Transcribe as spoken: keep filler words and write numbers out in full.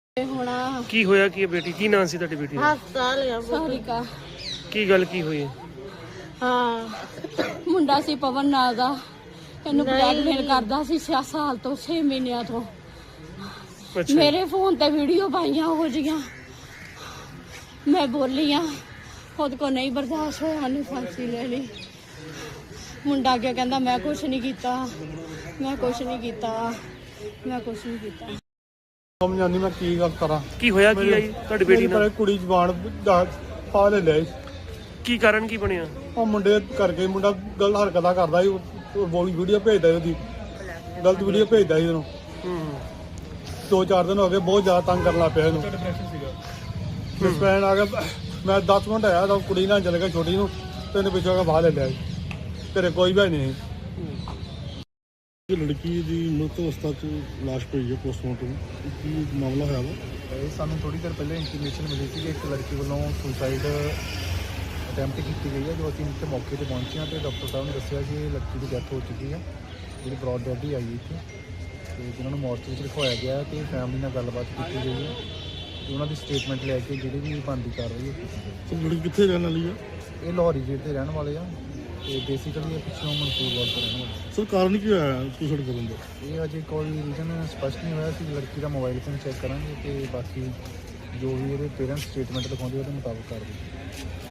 ਹੋਣਾ ਕੀ ਹੋਇਆ ਕੀ ਹੈ ਬੇਟੀ? ਕੀ ਨਾਂ ਸੀ ਤੁਹਾਡੀ ਬੇਟੀ ਦਾ? ਹਸਪਤਾਲ ਗਿਆ ਸਾਰਿਕਾ। ਕੀ ਗੱਲ ਕੀ ਹੋਈ? ਹਾਂ ਮੁੰਡਾ ਸੀ ਪਵਨ ਨਾਂ ਦਾ, ਇਹਨੂੰ ਬਲੈਕਮੇਲ ਕਰਦਾ ਸੀ ਛੇ ਸਾਲ ਤੋਂ, ਛੇ ਮਹੀਨਿਆਂ ਤੋਂ। ਅੱਛਾ। ਮੇਰੇ ਫੋਨ ਤੇ ਵੀਡੀਓ ਪਾਈਆਂ ਹੋ ਜੀਆਂ, ਮੈਂ ਬੋਲੀ ਆ, ਖੁਦ ਕੋ ਨਹੀਂ ਬਰਦਾਸ਼ਤ ਹੋਇਆ, ਉਹਨੇ ਫਾਂਸੀ ਲੈ ਲਈ। ਮੁੰਡਾ ਅੱਗੇ ਕਹਿੰਦਾ ਮੈਂ ਕੁਛ ਨਹੀਂ ਕੀਤਾ, ਮੈਂ ਕੁਛ ਨਹੀਂ ਕੀਤਾ, ਮੈਂ ਕੁਛ ਨਹੀਂ ਕੀਤਾ। ਸਮਝ ਆਉਂਦੀ ਮੈਂ ਕੀ ਗੱਲ ਕਰਾਂ। ਕੀ ਹੋਇਆ ਕੀ ਆਈ ਤੁਹਾਡੀ ਬੇਟੀ ਨਾਲ? ਕੁੜੀ ਜਵਾਨ ਪਾ ਲੈ ਲਿਆ। ਕੀ ਕਾਰਨ ਕੀ ਬਣਿਆ? ਉਹ ਮੁੰਡੇ ਕਰਕੇ ਮੁੰਡਾ ਗਲਤ ਹਰਕਤਾਂ ਕਰਦਾ ਸੀ, ਬੋਲੀ ਵੀਡੀਓ ਭੇਜਦਾ ਸੀ, ਉਹਦੀ ਗਲਤ ਵੀਡੀਓ ਭੇਜਦਾ ਸੀ ਉਹਨੂੰ। ਹੂੰ। ਦੋ ਚਾਰ ਦਿਨ ਹੋ ਗਏ ਬਹੁਤ ਜ਼ਿਆਦਾ ਤੰਗ ਕਰਨ ਲੱਗ ਪਿਆ ਇਹਨੂੰ। ਡਿਸਪੈਨ ਆ ਗਿਆ, ਮੈਂ ਦਸ ਮਿੰਟ ਆਇਆ ਤਾਂ ਕੁੜੀ ਨਾਲ ਚਲੇ ਗਿਆ ਛੋਟੀ ਨੂੰ, ਤੇ ਇਹਨੇ ਪਿੱਛੋਂ ਆ ਕੇ ਬਾਹਰ ਲੈ ਲਿਆ। ਘਰੇ ਕੋਈ ਵੀ ਨਹੀਂ। ਲੜਕੀ ਦੀ ਮ੍ਰਿਤ ਅਵਸਥਾ 'ਚ ਲਾਸ਼ ਪਈ ਹੈ ਪੋਸਟਮਾਰਟਮ, ਕੀ ਮਾਮਲਾ ਹੋਇਆ ਵਾ? ਇਹ ਸਾਨੂੰ ਥੋੜੀ ਦੇਰ ਪਹਿਲਾਂ ਇਨਫੋਰਮੇਸ਼ਨ ਮਿਲੀ ਸੀ ਕਿ ਇੱਕ ਲੜਕੀ ਵੱਲੋਂ ਸੁਸਾਈਡ ਅਟੈਂਪਟ ਕੀਤੀ ਗਈ ਹੈ। ਜੋ ਅਸੀਂ ਇੱਥੇ ਮੌਕੇ ਤੇ ਪਹੁੰਚੇ ਹਾਂ ਤੇ ਡਾਕਟਰ ਸਾਹਿਬ ਨੇ ਦੱਸਿਆ ਕਿ ਇਹ ਲੜਕੀ ਦੀ ਡੈਥ ਹੋ ਚੁੱਕੀ ਹੈ, ਜਿਹੜੀ ਬ੍ਰੌਡ ਡੈਡ ਹੀ ਆਈ ਇੱਥੇ, ਤੇ ਜਿਨ੍ਹਾਂ ਨੂੰ ਮੋਰਚਰੀ 'ਚ ਰਖਵਾਇਆ ਗਿਆ ਤੇ ਫੈਮਿਲੀ ਨਾਲ ਗੱਲਬਾਤ ਕੀਤੀ ਗਈ ਹੈ ਤੇ ਉਹਨਾਂ ਦੀ ਸਟੇਟਮੈਂਟ ਲੈ ਕੇ ਜਿਹੜੀ ਵੀ ਬਣਦੀ ਕਰ ਰਹੀ ਹੈ। ਲੜਕੀ ਕਿੱਥੇ ਰਹਿਣ ਵਾਲੀ ਆ? ਇਹ ਲਾਹੌਰੀ ਜੇਲ੍ਹ ਦੇ ਰਹਿਣ ਵਾਲੇ ਆ ਤੇ ਬੇਸਿਕਲੀ ਇਹ ਪਿੱਛੋਂ ਮਨਸੂਰਵਾਲ ਤੋਂ ਰਹਿਣ ਵਾਲੇ। ਸਰ ਕਾਰਨ ਕੀ ਹੋਇਆ ਸੁਸਾਈਡ ਕਰਨ ਦਾ? ਇਹ ਅਜੇ ਕੋਈ ਰੀਜ਼ਨ ਸਪਸ਼ਟ ਨਹੀਂ ਹੋਇਆ ਸੀ। ਲੜਕੀ ਦਾ ਮੋਬਾਈਲ ਫੋਨ ਚੈੱਕ ਕਰਾਂਗੇ ਤੇ ਬਾਕੀ ਜੋ ਵੀ ਇਹਦੇ ਪੇਰੈਂਟਸ ਸਟੇਟਮੈਂਟ ਲਿਖਾਉਂਦੇ ਉਹਦੇ ਮੁਤਾਬਕ ਕਰਦੇ।